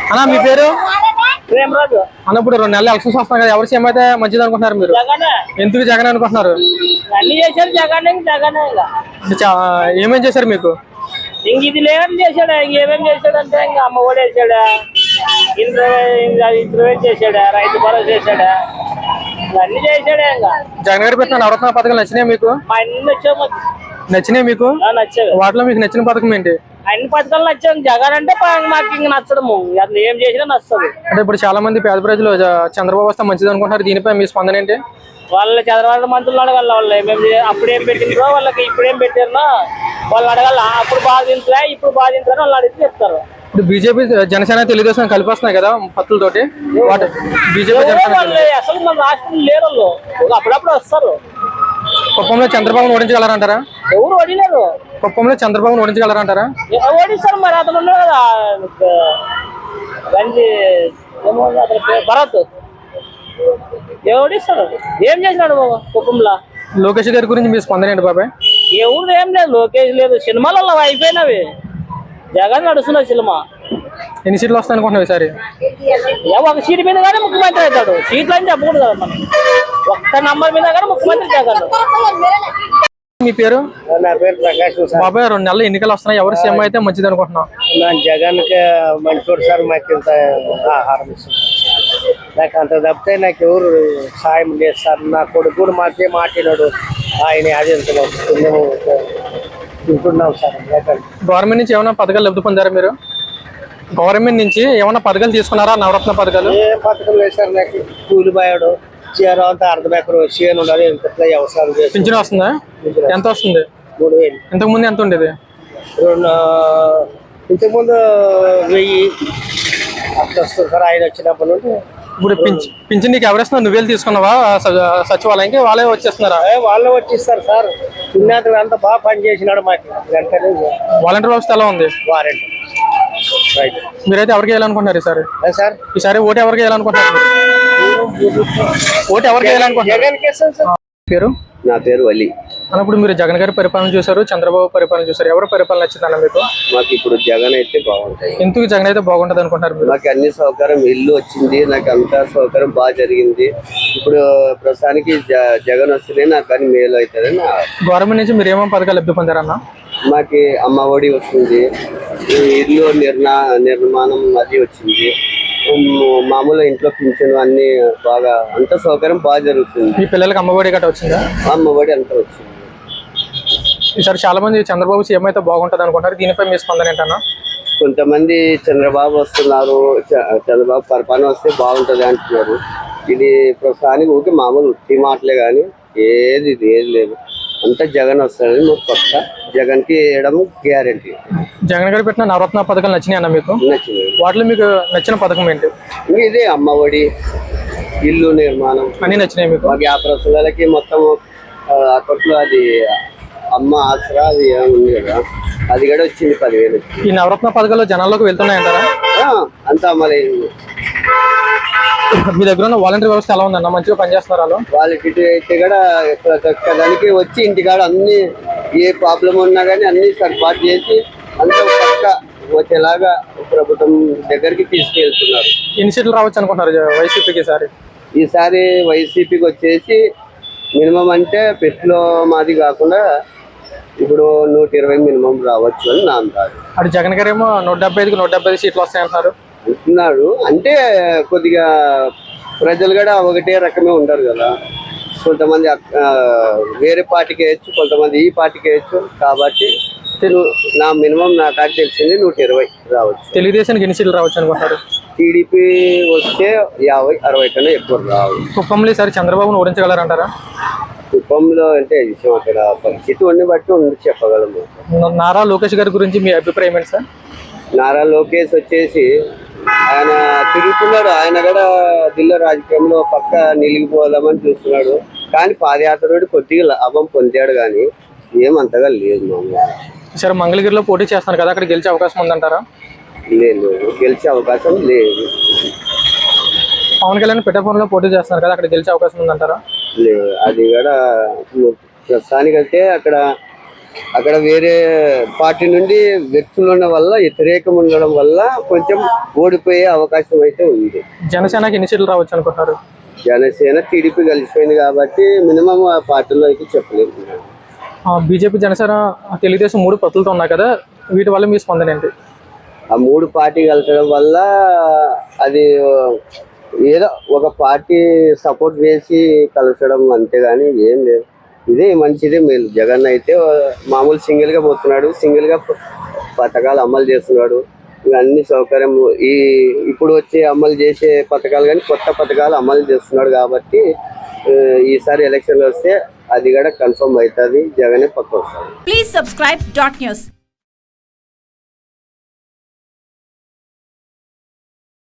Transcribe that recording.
అన్నా మీ పేరు ప్రేమరాజు అన్న. ఇప్పుడు 2 నెలలు ఎలక్షన్స్ వస్తున్నాయి కదా, ఎవరు సీఎం అయితే మంచిది అనుకుంటున్నారు మీరు? ఎందుకు జగన్ అనుకుంటున్నారు? అన్ని చేశారు జగన్. ఏమేం చేశారు మీకు? ఇంక ఇది లేదని చేశాడా? ఇంకేమేం చేశాడంటే ఇంకా అమ్మ ఒడి వేసాడా, ఇంటర్వ్యూ చేశాడా, రైతు భరోసా చేశాడా, అన్ని చేశాడా. ఇంకా జగన్ గారు పెట్టిన నవరత్న పథకాలు నచ్చినాయి మీకు? మా అన్ని వచ్చాము. నచ్చినాయి మీకు? నచ్చావు. వాటిలో మీకు నచ్చిన పథకం ఏంటి? అన్ని పథకాలు నచ్చాము. జగన్ అంటే మాకు ఇంక నచ్చడము, అసలు ఏం చేసినా నచ్చదు. అంటే ఇప్పుడు చాలా మంది పేద ప్రజలు చంద్రబాబు వస్తే మంచిది అనుకుంటున్నారు, దీనిపై మీ స్పందన ఏంటి? వాళ్ళు చంద్రబాబు మంత్రులు అడగాల, వాళ్ళు ఏమేమి అప్పుడేం పెట్టిండ్రో వాళ్ళకి ఇప్పుడేం పెట్టారో వాళ్ళు అడగాల. అప్పుడు బాధించలే, ఇప్పుడు బాధించారని వాళ్ళు అడిగితే చెప్తారు. ఇప్పుడు బీజేపీ జనసేన తెలుగుదేశం కలిపి వస్తున్నాయి కదా పత్తులతోటి, బీజేపీ అసలు మన రాష్ట్రంలో లేరు వాళ్ళు, అప్పుడప్పుడు వస్తారు. కుప్పంలో చంద్రబాబును ఓడించగలరంటారా? ఎవరు ఓడిలేరు. కుప్పంలో చంద్రబాబును ఓడించగలరంటారా? ఓడిస్తారు మరి, అతను ఉన్నాడు కదా గంజి భరత్, ఓడిస్తాడు. ఏం చేసినాడు బాబా కుప్పంలో? లోకేష్ గారి గురించి మీ స్పందన ఏంటి బాబాయ్? ఎవరు ఏం లేదు, లోకేష్ లేదు, సినిమాలలో అయిపోయినవి. జగన్ నడుస్తున్న సినిమా. ఎన్ని సీట్లు వస్తాయి అనుకుంటున్నావు ఈసారి? ఒక సీట్ మీద కానీ ముఖ్యమంత్రి అవుతాడు. సీట్లు అని చెప్పకూడదు కదా మనం, ఒక్క నంబర్ మీద కానీ ముఖ్యమంత్రి జగన్. మీ పేరు? నా పేరు ప్రకాష్. బాబాయ్ 2 నెలలు ఎన్నికలు వస్తున్నాయి, ఎవరు సీఎం అయితే మంచిది అనుకుంటున్నాం? జగన్ కి మంచి సార్, మాకు ఇంత ఆహారం ఇస్తుంది. నాకు అంత తప్పితే నాకు ఎవరు సాయం లేదు సార్. నా కొడుకు కూడా మాకే మాట్లాడాడు, ఆయన అది ఎంత తింటున్నాం సార్. గవర్నమెంట్ నుంచి ఏమైనా పథకాలు లబ్ధి పొందారా మీరు? గవర్నమెంట్ నుంచి ఏమైనా పథకాలు తీసుకున్నారా? నవరత్న పథకాలు ఏ పథకం లేదు సార్. నాకు కూలి బాయాడు చీర అంతా అర్ధమెకరు చేయను ఉన్నది. ఎంత వ్యవసాయం చేసి పింఛన్ వస్తుందా? ఎంత వస్తుంది? 3000. ఇంతకు ముందు ఎంత ఉండేది? ఇంతకుముందు 1000 అట్లా వస్తుంది సార్. ఆయన వచ్చినప్పటి నుండి. ఇప్పుడు పింఛన్ నీకు ఎవరేస్తున్నారు? నువ్వు వెళ్ళి తీసుకున్నావా సచివాలయంకి? వాళ్ళే వచ్చేస్తున్నారా? వాళ్ళే వచ్చిస్తారు సార్. చిన్నతను అంతా బాగా పని చేసినాడు మాకు. వెంటనే వాలంటీర్ వ్యవస్థ ఎలా ఉంది? వారంటీ. మీరైతే ఎవరికి వేయాలనుకుంటున్నారు ఈసారి? సార్ ఈసారి ఓటు ఎవరికి వేయాలనుకుంటున్నారు? ఓటు ఎవరికి వేయాలనుకుంటున్నారు? పేరు? నా పేరు వలి. అన్నప్పుడు మీరు జగన్ గారి పరిపాలన చూసారు, చంద్రబాబు పరిపాలన చూసారు, ఎవరి పరిపాలన నచ్చిందన్న మీకు? మాకు ఇప్పుడు జగన్ అయితే బాగుంటాయి. ఎందుకు జగన్ అయితే బాగుంటది అనుకుంటారు? నాకు అన్ని సౌకర్యం, ఇల్లు వచ్చింది, నాకు అంతా సౌకర్యం బాగా జరిగింది. ఇప్పుడు ప్రస్తుతానికి జగన్ వస్తేనే నాకు అన్ని మేలు అవుతుంది. గవర్నమెంట్ నుంచి మీరు ఏమేమి పథకాలు లబ్ధి పొందారన్న? మాకి అమ్మ ఒడి వస్తుంది, ఇల్లు నిర్మాణం అది వచ్చింది, మామూలు ఇంట్లో పింఛను అన్ని బాగా అంత సౌకర్యం బాగా జరుగుతుంది. మీ పిల్లలకి అమ్మఒడి గట్రా వచ్చిందా? అమ్మఒడి అంతా వచ్చింది. ఈసారి చాలా మంది చంద్రబాబు సీఎం అయితే బాగుంటది అనుకుంటారు, దీనిపై మీ స్పందన ఏంటన్నా? కొంతమంది చంద్రబాబు వస్తున్నారు, చంద్రబాబు పరిపాలన వస్తే బాగుంటది అంటున్నారు. ఇది ప్రస్తుతానికి ఊరికి మామూలు ఉత్తి మాటలే కానీ ఏది లేదు. అంతా జగన్ వస్తాడని మాకు పక్క. జగన్ కి వేయడం గ్యారంటీ. జగన్ గారు పెట్టిన నవరత్న పథకాలు నచ్చినాయి అన్న మీకు? నచ్చింది. వాటిలో మీకు నచ్చిన పథకం ఏంటి? ఇదే అమ్మ ఒడి, ఇల్లు నిర్మాణం అన్ని నచ్చినాయి మీకు? మాకు 50 పిల్లలకి మొత్తం అప్పట్లో అది అమ్మ ఆసరా అది ఉంది కదా, అది కూడా వచ్చింది 10,000. ఈ నవరత్న పథకాలు జనాల్లోకి వెళ్తున్నాయంటారా? అంతా మరి మీ దగ్గర ఉన్న వాలంటీర్ వ్యవస్థ ఎలా ఉందన్న? మంచిగా పనిచేస్తున్నారు? వాలంటీర్ అయితే కూడా దానికి వచ్చి ఇంటికాడ అన్ని ఏ ప్రాబ్లం ఉన్నా కానీ అన్ని సర్పాటు చేసి అంతా పక్క వచ్చేలాగా ప్రభుత్వం దగ్గరికి తీసుకెళ్తున్నారు. ఎన్ని సీట్లు రావచ్చు అనుకుంటున్నారు వైసీపీకి ఈసారి వైసీపీకి వచ్చేసి మినిమం అంటే పెట్టులో మాది కాకుండా ఇప్పుడు 120 మినిమం రావచ్చు అని నా అంటారు. అటు జగన్ గారు ఏమో 175కి 175 సీట్లు వస్తాయంటున్నారు అంటున్నాడు. అంటే కొద్దిగా ప్రజలు కూడా ఒకటే రకమే ఉండరు కదా, కొంతమంది వేరే పార్టీకి వేయచ్చు, కొంతమంది ఈ పార్టీకి వేయచ్చు. కాబట్టి నా మినిమం నా కాడ తెలిసింది 120 రావచ్చు. తెలుగుదేశానికి ఎన్ని సీట్లు రావచ్చు అనుకుంటారు? టీడీపీ వస్తే 50-60 కన్నా ఎక్కువ రావు. కుప్పంలో ఈసారి చంద్రబాబును ఓడించగలరంటారా? కుప్పంలో అంటే విషయం అక్కడ పరిస్థితి ఉండి బట్టి చెప్పగలము. నారా లోకేష్ గారి గురించి మీ అభిప్రాయం ఏంటి సార్? నారా లోకేష్ వచ్చేసి ఆయన తిరుగుతున్నాడు. ఆయన కూడా జిల్లా రాజకీయంలో పక్క నిలిగిపోదామని చూస్తున్నాడు. కానీ పాదయాత్ర కొద్దిగా లాభం పొందాడు, కానీ ఏమంతగా లేదు. మామూలు సరే, మంగళగిరిలో పోటీ చేస్తున్నారు కదా, అక్కడ గెలిచే అవకాశం ఉందంటారా? లేదు, గెలిచే అవకాశం లేదు. పవన్ కళ్యాణ్ పిఠాపురంలో పోటీ చేస్తున్నారు కదా, అక్కడ గెలిచే అవకాశం ఉందంటారా? లేదు, అది కూడా ప్రస్తుతానికి అయితే అక్కడ అక్కడ వేరే పార్టీ నుండి వ్యక్తులు ఉండడం వల్ల, వ్యతిరేకం ఉండడం వల్ల కొంచెం ఓడిపోయే అవకాశం అయితే ఉంది. జనసేనకి ఎన్ని సీట్లు రావచ్చు అనుకుంటున్నారు? జనసేన టీడీపీ కలిసిపోయింది కాబట్టి మినిమం ఆ పార్టీలో అయితే చెప్పలేదు. బీజేపీ, జనసేన, తెలుగుదేశం 3 పొత్తులతో ఉన్నాయి కదా, వీటి వల్ల మీ స్పందన ఏంటి? ఆ 3 పార్టీ కలిసడం వల్ల అది ఏదో ఒక పార్టీ సపోర్ట్ చేసి కలిసడం అంతేగాని ఏం లేదు. ఇదే మంచిదే, మేలు. జగన్ అయితే మామూలు సింగిల్ గా పోతున్నాడు, సింగిల్ గా పథకాలు అమలు చేస్తున్నాడు. అన్ని సౌకర్యం ఇప్పుడు వచ్చే అమలు చేసే పథకాలు కానీ కొత్త పథకాలు అమలు చేస్తున్నాడు కాబట్టి ఈసారి ఎలక్షన్లు వస్తే అది కూడా కన్ఫర్మ్ అవుతుంది, జగనే పక్క వస్తాడు. Please subscribe .news.